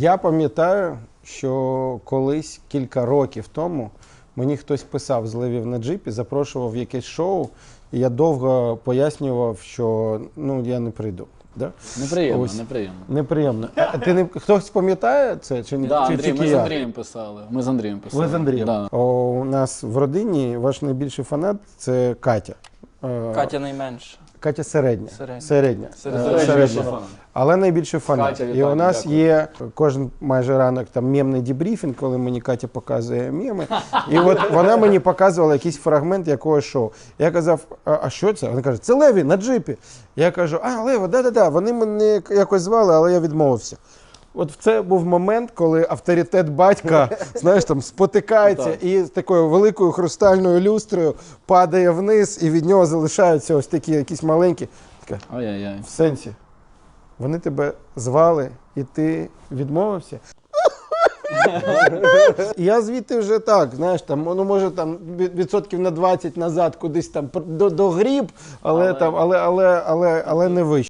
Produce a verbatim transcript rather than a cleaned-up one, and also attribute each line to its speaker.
Speaker 1: Я пам'ятаю, що колись кілька років тому мені хтось писав з Левів на джипі, запрошував в якесь шоу, і я довго пояснював, що ну, я не прийду. Да?
Speaker 2: Неприємно,
Speaker 1: Ось.
Speaker 2: неприємно.
Speaker 1: Неприємно. А ти не хтось пам'ятає це чи ні?
Speaker 2: Да,
Speaker 1: чи
Speaker 2: Андрій,
Speaker 1: тільки
Speaker 2: ми з
Speaker 1: я?
Speaker 2: Андрієм писали. Ми з Андрієм писали.
Speaker 1: Ви з Андрієм?
Speaker 2: Да.
Speaker 1: О, у нас в родині ваш найбільший фанат це Катя. Е,
Speaker 3: Катя найменша.
Speaker 1: Катя середня.
Speaker 3: Середня.
Speaker 1: Середня.
Speaker 3: Середня.
Speaker 1: Е,
Speaker 2: Середня.
Speaker 1: середня. Але найбільший фанат.
Speaker 2: Катя,
Speaker 1: І
Speaker 2: вітаю,
Speaker 1: у нас
Speaker 2: дякую.
Speaker 1: є кожен майже ранок там мемний дебріфінг, коли мені Катя показує меми. І от вона мені показувала якийсь фрагмент якогось шоу. Я казав, а, а що це? Вона каже, це Леві на джипі. Я кажу, а, Лево, да-да-да, вони мене якось звали, але я відмовився. От це був момент, коли авторитет батька, знаєш, там спотикається
Speaker 2: Так.
Speaker 1: і з такою великою хрустальною люстрою падає вниз, і від нього залишаються ось такі якісь маленькі. Така,
Speaker 2: Ой-ой-ой.
Speaker 1: в сенсі. Вони тебе звали, і ти відмовився. І я звідти вже так, знаєш, там, ну може там від- відсотків на двадцять назад кудись там до, до гріб, але,
Speaker 2: Але-
Speaker 1: там, але, але, але, але не вище.